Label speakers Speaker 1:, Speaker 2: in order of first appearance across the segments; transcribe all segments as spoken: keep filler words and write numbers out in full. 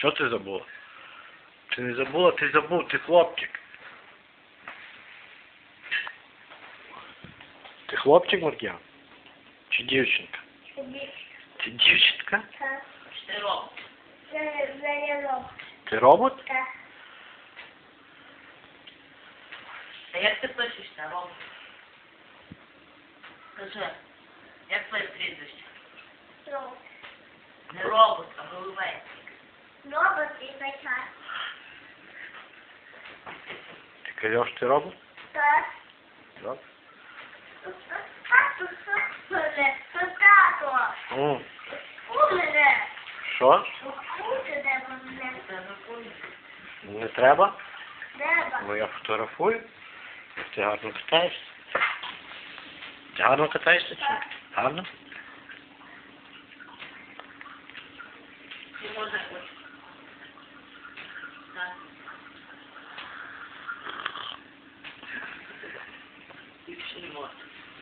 Speaker 1: Що ти забула? Ти не забула, ти забув, ти хлопчик. Ти хлопчик, Маркіян? Чи дівчинка? Ти дівчинка?
Speaker 2: Так.
Speaker 3: Ти робот.
Speaker 2: Це це робот.
Speaker 1: Ти робот?
Speaker 2: Так.
Speaker 3: А як ти пишешся, робот? Скажи, як твоє прізвище?
Speaker 2: Робот.
Speaker 3: Не робот, а головець.
Speaker 2: Робот і бачар.
Speaker 1: Ти кажеш, ти робот?
Speaker 2: Так.
Speaker 1: Так.
Speaker 2: Тату, що мене? Тату.
Speaker 1: М.
Speaker 2: У мене.
Speaker 1: Що?
Speaker 2: Кути де мене.
Speaker 3: Це не куди.
Speaker 1: Не треба?
Speaker 2: Деба.
Speaker 1: Ну я фотографую. Ти гарно катаєшся. Ти гарно катаєшся чи ні? Гарно?
Speaker 3: Ти можеш хочеш. Так. Більше не можна.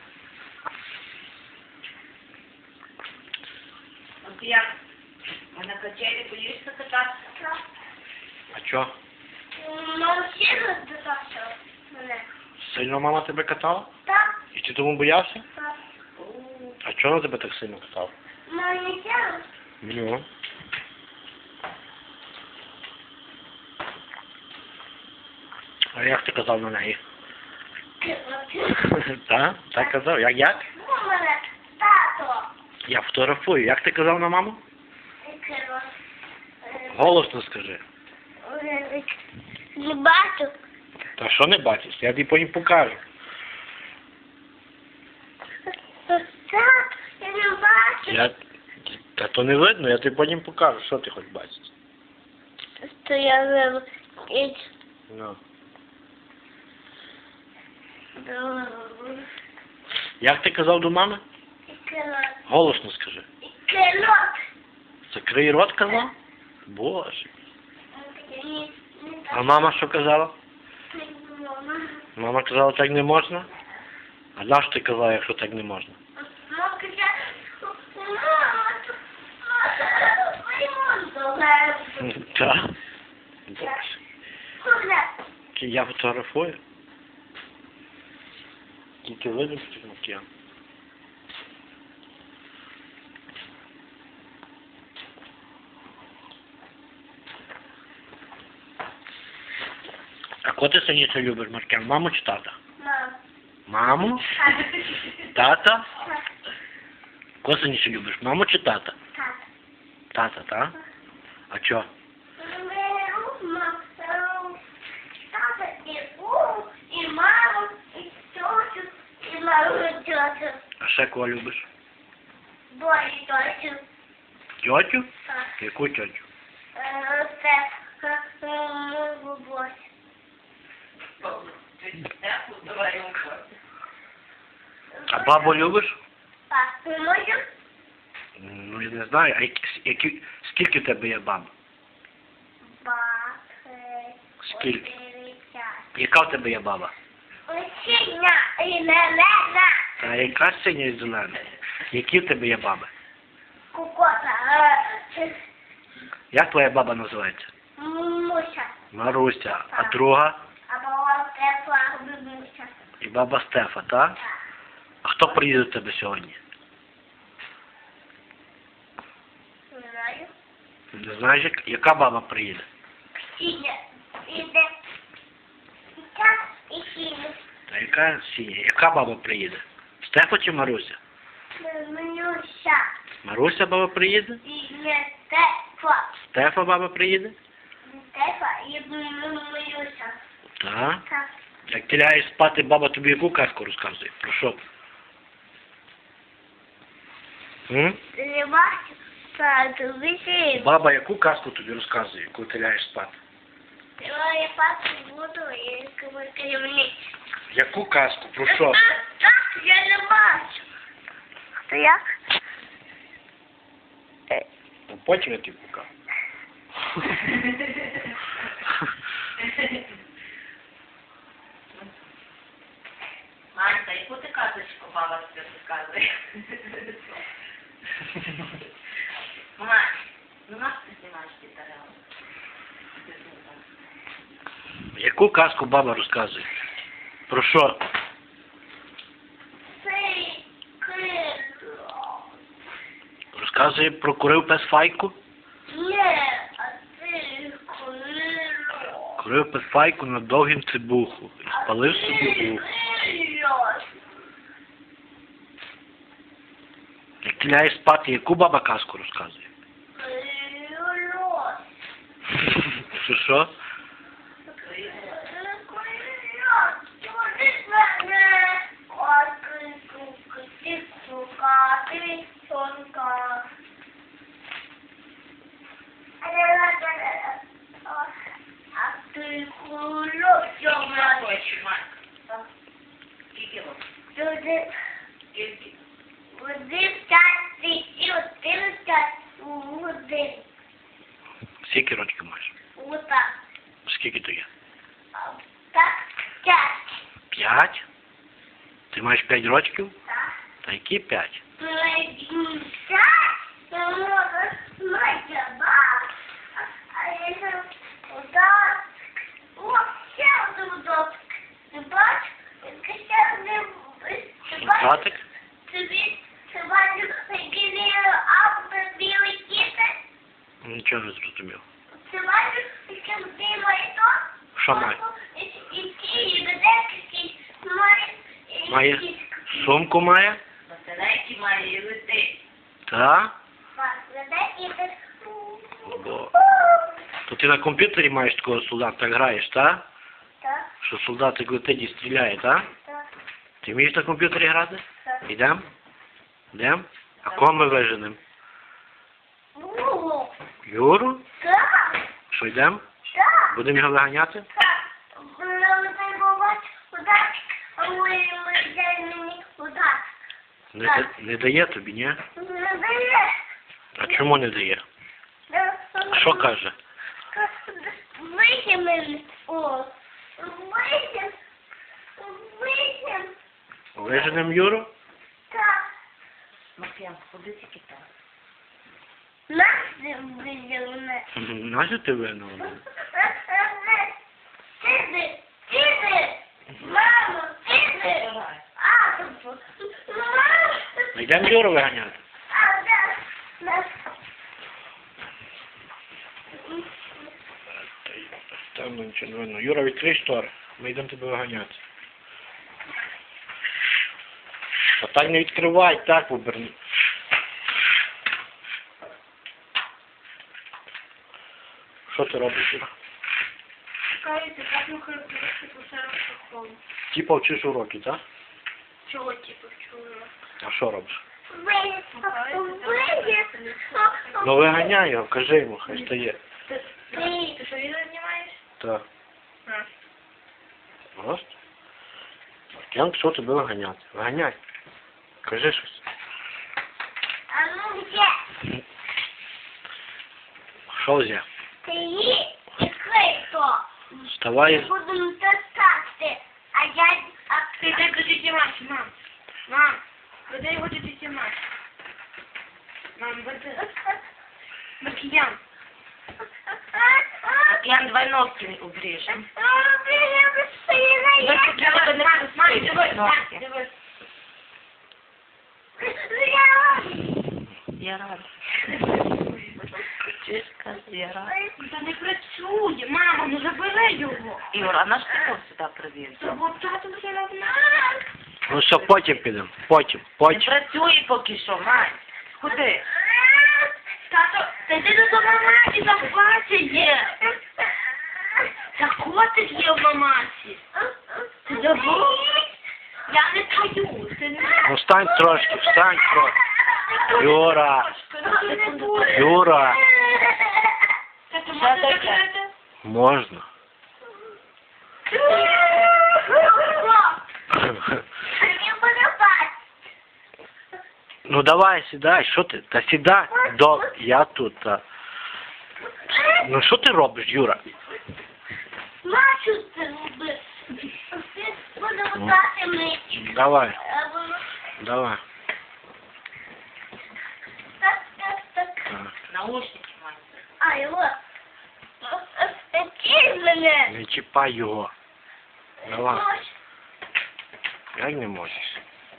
Speaker 3: А ти як? А на качелі боїшся кататися?
Speaker 2: Так.
Speaker 1: А чо?
Speaker 2: Мама ще роздався мене.
Speaker 1: Сильно мама тебе катала?
Speaker 2: Так.
Speaker 1: І ти тому боявся?
Speaker 2: Так.
Speaker 1: А чого вона тебе так сильно катала?
Speaker 2: Мама не сяла.
Speaker 1: Ну. А як ти казав на неї? Так? Так казав? Як як?
Speaker 2: У мене тато.
Speaker 1: Я фотографую. Як ти казав на маму? Голосно скажи.
Speaker 2: Не бачу.
Speaker 1: Та що не бачиш? Я тобі потім покажу.
Speaker 2: Так, я не бачу.
Speaker 1: Я... Та то не видно, я тобі потім покажу. Що ти хоч бачиш?
Speaker 2: Що я вив.
Speaker 1: Ну. Як ти казав до мами? Голосно скажи.
Speaker 2: Керот.
Speaker 1: Закрий рот казав? Боже. А мама що казала? Мама казала, так не можна? А на що ти казала, якщо так не можна?
Speaker 2: Мама казала, мама, мама,
Speaker 1: Так? Боже. Чи я фотографую? Тільки видно, що макіян. А кого ти сильніше любиш, Маркіян? Маму чи тата?
Speaker 2: Мама.
Speaker 1: Маму? Тата? Кого сильніше любиш? Маму чи тата?
Speaker 2: Так.
Speaker 1: Тата, так? А чо?
Speaker 2: Тата і у, і маму, і тьотю, і маму тьотю.
Speaker 1: А ще кого любиш?
Speaker 2: Бої тьотю.
Speaker 1: Тьотю?
Speaker 2: Так.
Speaker 1: Яку тьотю?
Speaker 2: Е, Це е, бабусь.
Speaker 3: Давай йому.
Speaker 1: А бабу любиш?
Speaker 2: Так, ми можемо?
Speaker 1: Ну, я не знаю. А які, які, скільки в тебе є баб?
Speaker 2: Бати.
Speaker 1: Скільки? Яка в тебе є баба?
Speaker 2: Синя і зелена.
Speaker 1: Та яка синя і зелена? Які в тебе є баби?
Speaker 2: Кукота. е,
Speaker 1: Як твоя баба називається?
Speaker 2: Муся.
Speaker 1: Маруся. А друга?
Speaker 2: А баба тепла бабуся.
Speaker 1: І баба Стефа, так? А хто приїде до тебе сьогодні?
Speaker 2: Не знаю.
Speaker 1: Не знаєш, як- яка баба приїде?
Speaker 2: Синя. Іде. І так, і синя.
Speaker 1: Та яка синя? Яка баба приїде? Стефа чи Маруся?
Speaker 2: Муся.
Speaker 1: Маруся баба приїде?
Speaker 2: І не тепла.
Speaker 1: Стефа баба приїде?
Speaker 2: Тепла і Муся.
Speaker 1: Так.
Speaker 2: Так.
Speaker 1: Як ти лягаєш спати, баба тобі яку казку розказує? Про що? М?
Speaker 2: Ти не бачиш? Так, висить.
Speaker 1: Баба яку казку тобі розказує, коли ти лягаєш спати?
Speaker 2: Я папу буду і керівник.
Speaker 1: Яку казку? Про що?
Speaker 2: Так, я не бачу. Хто як?
Speaker 1: Ну, потім я тобі покажу.
Speaker 3: Манька, яку ти казочку баба тобі розказує? Мать, Ну, нас ти знімаєш ті тарелки.
Speaker 1: Яку казку баба розказує? Про що?
Speaker 2: Цей кило.
Speaker 1: Розказує про курив пес Файку?
Speaker 2: Ні, а цей кило.
Speaker 1: Курив пес Файку на довгім цибуху і спалив собі вухо. Як ти ляєш спати, яку баба казку розказує? Що що?
Speaker 2: А ти кульок,
Speaker 3: Я хочу, Марк. Скільки років?
Speaker 2: Люди,
Speaker 3: Скільки?
Speaker 2: один час, і один час, один.
Speaker 1: Скільки років маєш?
Speaker 2: Отак.
Speaker 1: Скільки то є?
Speaker 2: Так, час.
Speaker 1: П'ять? Ти маєш п'ять років?
Speaker 2: Так.
Speaker 1: Та які п'ять?
Speaker 2: Один час, я можу смачно, ба. А якщо удав, о, ще один удав. Ти бачиш, ще один, ти бачиш?
Speaker 1: Братик?
Speaker 2: Тобі, ти бачиш, який авто білий кітер?
Speaker 1: Нічого не зрозумів.
Speaker 2: Ти бачиш, який білий то?
Speaker 1: Що має?
Speaker 2: Який ведеться, має...
Speaker 1: Має сумку має?
Speaker 3: Батарейки має і летить.
Speaker 1: Та?
Speaker 2: Ведеться.
Speaker 1: Бо... То ти на комп'ютері маєш такого солдата, так граєш, та?
Speaker 2: Так,
Speaker 1: Що солдатик летить і стріляє, та?
Speaker 2: так,
Speaker 1: Ти вмієш на комп'ютері грати?
Speaker 2: так.
Speaker 1: Ідем? Ідем? А кого ми виженемо?
Speaker 2: Ну,
Speaker 1: Юру?
Speaker 2: так,
Speaker 1: Що йдем?
Speaker 2: так,
Speaker 1: Будемо його виганяти?
Speaker 2: так. Ну, ти буваєш удачі, а ми ми йдемо мені удачі.
Speaker 1: Не, да- не дає тобі, ні?
Speaker 2: Не дає.
Speaker 1: А чому не дає? А що каже?
Speaker 2: Вийдемо мене. О, вийдемо. Вийдемо.
Speaker 1: Виженемо Юру?
Speaker 2: Так.
Speaker 3: Маркіян, куди тільки так?
Speaker 2: Нас вийдемо.
Speaker 1: Нащо ти винен?
Speaker 2: Сиди, сиди, мамо, сиди. А, мамо.
Speaker 1: Йдемо Юру виганяти.
Speaker 2: А, да, да.
Speaker 1: Там нічого не видно. Юра, відкрий штори. Ми йдемо тебе виганяти. А так не відкривай, так оберни. Що ти робиш, Юра?
Speaker 2: Скажите, как мы характеристику школу?
Speaker 1: Типа вчиш уроки, так?
Speaker 2: Чего типа чего?
Speaker 1: А що робиш?
Speaker 2: Выйдет, выйдет.
Speaker 1: Ну виганяй його, кажи йому, хай стає.
Speaker 2: Ты, ты что, видео снимаешь?
Speaker 1: Так.
Speaker 2: А.
Speaker 1: Просто. Я пішов тебе виганяти. Виганяй. Кажи щось.
Speaker 2: А ну где?
Speaker 1: Що взяв?
Speaker 2: Ты и кто?
Speaker 1: Вставай.
Speaker 2: Будем таскать. А я... А ты дай будете мать, мам. Мам, когда его будете мать? Мам, вот Маркиян.
Speaker 3: Маркіян, давай ногті обріжемо. Я рада. Чишка, я рада.
Speaker 2: Та не працює, мама, ну забери його.
Speaker 3: Юра, а наш ти його сюди привіз?
Speaker 2: Бо тато вже не знає.
Speaker 1: Ну все, потім підемо. Потім,
Speaker 3: Не
Speaker 1: потім.
Speaker 3: працює поки що, мать. Куди?
Speaker 2: Тато, та йди до мамасі, там Вася є. Та котик є в мамасі. Ти забув? Я не таю, ти не...
Speaker 1: Ну встань трошки, встань трошки. Юра, Юра.
Speaker 2: Тато,
Speaker 3: Що
Speaker 2: можна
Speaker 3: таке?
Speaker 2: закрити?
Speaker 1: Можна.
Speaker 2: Він буде бачити.
Speaker 1: Ну давай, сідай, що ти? Та сідай. До... Я тут, та. Ну що ти робиш, Юра?
Speaker 2: Бачу, ти робиш. Ти буде вдати мить.
Speaker 1: Давай, давай.
Speaker 2: Так, так, так.
Speaker 1: Так.
Speaker 3: Наушники, мать.
Speaker 2: А, його. Ти мене.
Speaker 1: Не чіпай його. Давай. Як не можеш?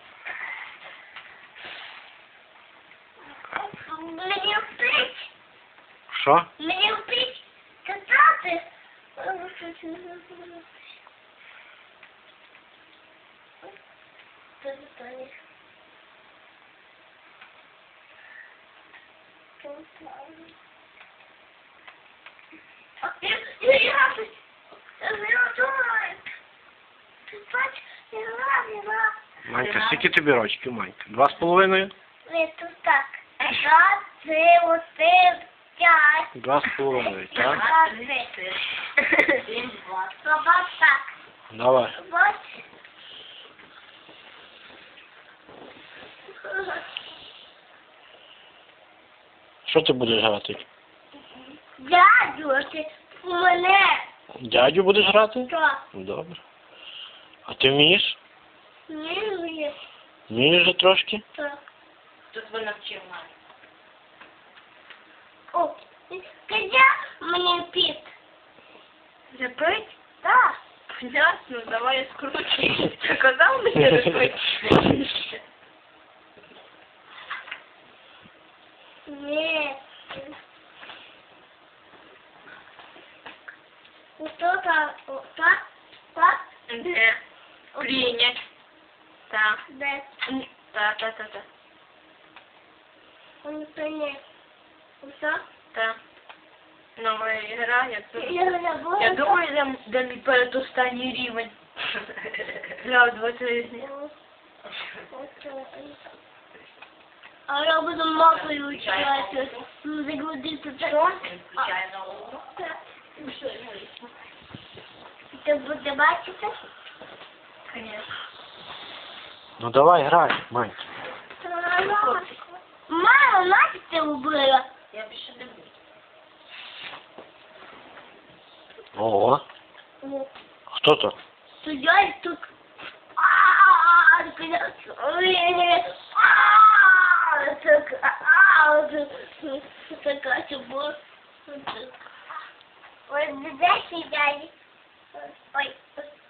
Speaker 2: Мені впить.
Speaker 1: Що?
Speaker 2: Мені впить катати. Ти достанеш. Я я радуюсь. Я радуюсь. Ти бачиш, я радуюсь.
Speaker 1: Манька, скільки тобі рочків, Манька? Два з половиною?
Speaker 2: Ні, тут так. Раз, три, один, п'ять.
Speaker 1: Два з половиною, так?
Speaker 2: Два, три.
Speaker 3: Один, два.
Speaker 2: Баба так.
Speaker 1: Давай.
Speaker 2: Бач.
Speaker 1: Що ти будеш грати?
Speaker 2: Дядю, ти у мене.
Speaker 1: Дядю будеш грати?
Speaker 2: Так.
Speaker 1: Добре. А ти вмієш?
Speaker 2: Ні, ні.
Speaker 1: Вмієш вже трошки?
Speaker 2: Так.
Speaker 3: Тут ви навчив мамі.
Speaker 2: О, скажи мені піт.
Speaker 3: Запить?
Speaker 2: Так.
Speaker 3: Ясно, давай я скручу. Казав мені запить?
Speaker 2: Ні. Що так? Так? Так?
Speaker 3: Де? Прийнять. Так.
Speaker 2: Де?
Speaker 3: Так, так, так, так.
Speaker 2: Он не. Що?
Speaker 3: Так. Нова ігра, я тут.
Speaker 2: Я забула.
Speaker 3: Я думаю, де, де мій передостанній рівень. Грав двадцять різні.
Speaker 2: А я буду мапою вчити. Загрузити це.
Speaker 3: Включай нову.
Speaker 2: Ти буде бачити?
Speaker 3: Конечно.
Speaker 1: Ну давай грай, Манька.
Speaker 2: Мама, мать ти вбила.
Speaker 3: Я більше не буду.
Speaker 1: Ого. Хто то?
Speaker 2: Суддя тут. А-а-а, так, а-а, така чубо. Ой, де сидять? Ой,